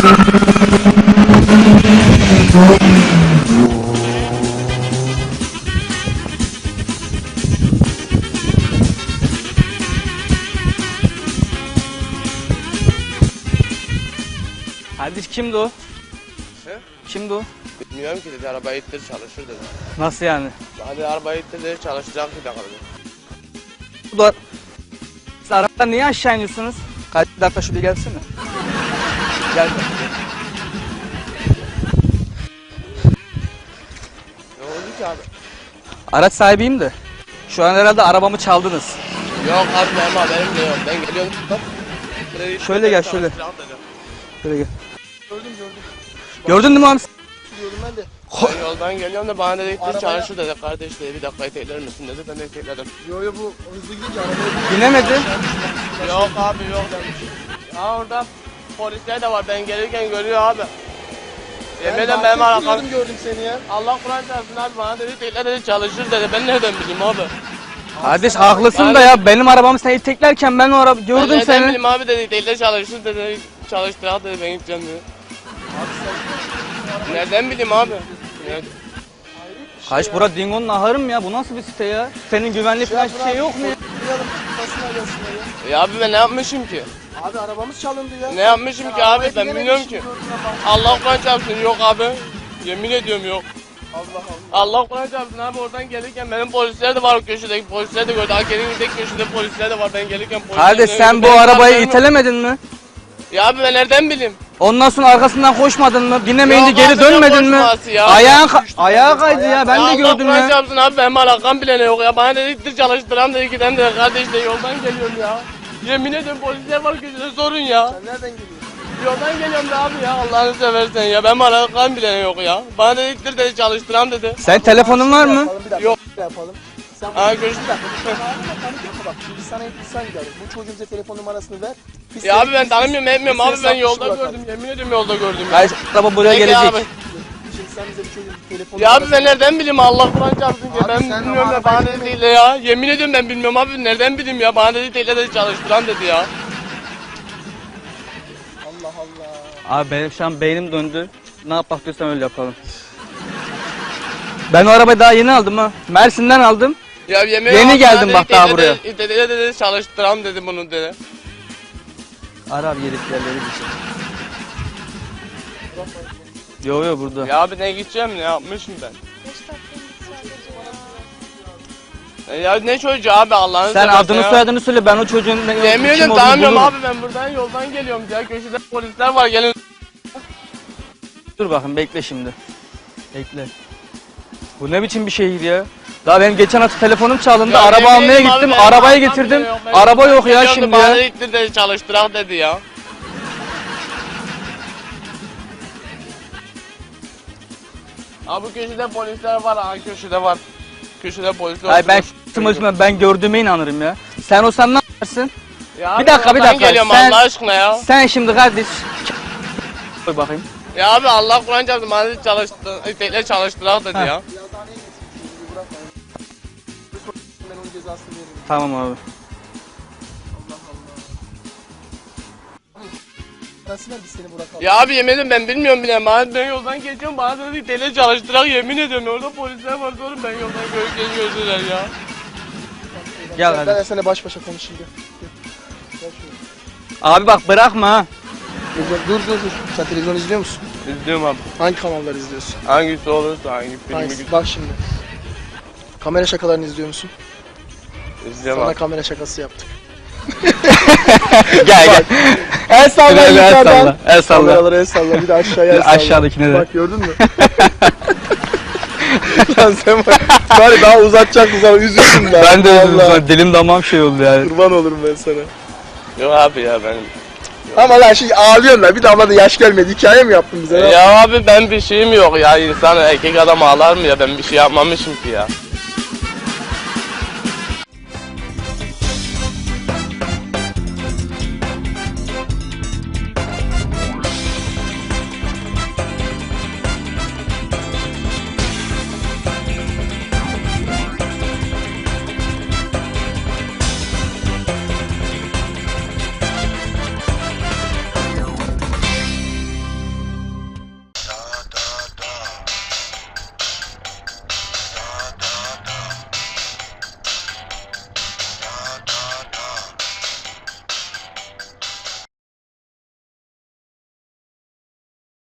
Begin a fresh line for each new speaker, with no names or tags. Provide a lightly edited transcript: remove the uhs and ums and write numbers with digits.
Kardeş kimdi o?
He?
Kimdi o?
Bilmiyorum ki dedi, arabayı ittir çalışır dedi.
Nasıl yani?
Hadi arabayı ittir dedi, çalışacak bir dakika dedi.
Bu da... Siz arabadan niye aşağı iniyorsunuz? Kaç dakika şuraya gelsene. Gel.
Ne oldu ki abi?
Araç sahibiyim de. Şu an herhalde arabamı çaldınız.
Yok abi benim haberim de yok. Ben geliyorum.
Şöyle gel, şöyle.
Çalışacak dedi.
Şöyle gel.
Gördüm.
Gördün değil mi abi?
Gördüm ben de.
Ben yoldan geliyorum da bana dedi ittir çalışır dedi. Kardeş dedi, bir dakika itekler misin dedi. Ben de itekledim.
Yo bu hızlı gidince arabaya
Binemedi.
Yok abi yok demiş. Ya orada polisler de var, ben gelirken görüyor abi. Yemin ederim benim alakam.
gördüm seni ya.
Allah Kur'an çarpsın abi, bana dedi itekler dedi çalışır dedi. Ben nereden bileyim abi?
Kardeş haklısın da ya, benim arabamı sen iteklerken ben o araba
Ben
gördüm
nereden
seni.
bileyim abi dedi, itekler çalışır dedi. Çalıştırak dedi, ben gideceğim dedi. Nereden bileyim abi?
Kaç bura Dingo'nun ahırı mı ya? Bu nasıl bir site ya? Senin güvenlik falan bir şey yok mu ya?
Ya abi ben ne yapmışım ki?
Abi arabamız çalındı ya.
Ne yapmışım ki abi, ben bilmiyorum ki. Allah Kur'an çarpsın yok abi. Yemin ediyorum yok. Allah Kur'an çarpsın abi, oradan gelirken benim polisler de var, o köşedeki polisler de gördü. Hakerin tek köşede polisler de var, ben gelirken polisler
Kardeş
de
sen
gördü.
bu
Benim
arabayı
haberim yok.
itelemedin mi?
Ya abi ben nereden bileyim?
Ondan sonra arkasından koşmadın mı? Binemeyince
Yok
geri
abi,
dönmedin mi?
koşması ya.
Ayağa kaydı ya, ben de
Allah
gördüm
Kur'an
ya.
çarpsın abi, benim alakam bile ne yok ya. Bana dedik çalıştıran dedi, giden de kardeş de yoldan geliyorum ya. Yemin ediyorum polisler var köşede, sorun ya.
Sen nereden geliyorsun?
Yoldan geliyorum da abi ya, Allah'ını seversen ya. Benim alakam bile ne yok ya. Bana dediktir dedi, çalıştıran dedi.
Sen telefonun var mı?
Yapalım, bir dakika.
Yok.
Yapalım. Sen
Ha görüşürüz.
bak şimdi sana insan geldi. Bu çocuğun bize telefon numarasını ver. Biz
Ya
seni-
abi ben tanımıyorum etmiyorum
biz
abi,
seni
ben
satmış
yolda
bırakalım.
gördüm, yemin ediyorum yolda gördüm ya.
Kardeş araba buraya
Peki
gelecek.
abi.
Şimdi sen bize bu çocuğun telefon
Ya abi
numarasını
ben nereden bileyim, Allah Kur'an çarpsın ki
Abi
ben
sen
bilmiyorum
ama
ya, bana
arabayı
dedi değil de ya. Yemin ediyorum ben bilmiyorum abi, nereden bileyim ya, bana dedi değil de çalıştıran dedi ya.
Allah Allah.
Abi benim şu an beynim döndü. Ne yapak diyorsan öyle yapalım. Ben o arabayı daha yeni aldım ha. Mersin'den aldım.
Ya yemin
Yeni
ediyorum,
geldim
bana
bak
dedi,
daha
dedi,
buraya.
Dedi çalıştıran dedi bunu dedi.
Ara abi yediklerleri bir şey. Yo burada.
Ya abi ne gideceğim, ne yapmışım ben? Ya ne çocuğu abi, Allah'ını
Sen
seversen
adını
ya.
soyadını söyle, ben o çocuğun ne
Yemin
kim
ediyorum
olduğunu
tanımıyorum
bulurum.
abi, ben buradan yoldan geliyorum ya, köşede polisler var, gelin.
Dur bakın bekle şimdi. Bekle. Bu ne biçim bir şehir ya? Daha benim geçen hafta telefonum çalındı,
Ya
araba
yemin
almaya
ederim abi,
gittim,
benim
arabayı
alakam
getirdim,
bile yok. Ben
araba yok ya
geliyorum da
şimdi
bana
ya.
dedi, dedi çalıştırak dedi ya. Abi bu köşede polisler var, ha köşede var. Köşede polisler
Ay ben
oturuyor.
ben gördüğüme inanırım ya. Sen olsan ne yaparsın?
Ya
Bir
abi
dakika, bir
oradan
dakika.
geliyorum
Sen-
Allah aşkına ya.
Sen şimdi kardeş koy bakayım.
Ya abi Allah Kur'an çarptı, bana dedi itekler çalıştırak dedi
Ha.
ya.
Yazıhaneye getirsin çocuğu bırakma. Ben onun cezasını veririm.
Tamam abi.
Allah Allah. Nasıl biz seni bırakalım?
Ya abi yemin ederim ben bilmiyorum bile. Ben yoldan geçiyorum, bana dedi itekler çalıştırak, yemin ediyorum orada polisler var, sorun ben yoldan görürken gördüler ya.
Gel
Ben
hadi.
seninle baş başa konuşayım gel. Gel şöyle.
Abi bak bırakma ha.
Dur. Sen televizyon izliyor musun?
İzliyorum abi.
Hangi kanalları izliyorsun?
Hangisi olursa, hangi filmi
Hangisi? Bak şimdi. Kamera şakalarını izliyor musun?
izliyorum
Sana
abi.
kamera şakası yaptık.
Gel.
El salla
El
yukarıdan.
salla. El salla.
Kameralara el salla. Bir de aşağıya el salla.
Aşağıdakine de.
Bak gördün mü? Lan sen bari daha uzatacaktın sana, üzüldüm ben.
Ben de
Vallahi.
dilim damağım şey oldu yani.
Kurban olurum ben sana.
Yok abi ya benim.
Ama lan şimdi ağlıyorsun lan, bir damla da yaş gelmedi. Hikaye mi yaptın bize?
Ya abi ben bir şeyim yok ya, insan erkek adam ağlar mı ya, ben bir şey yapmamışım ki ya.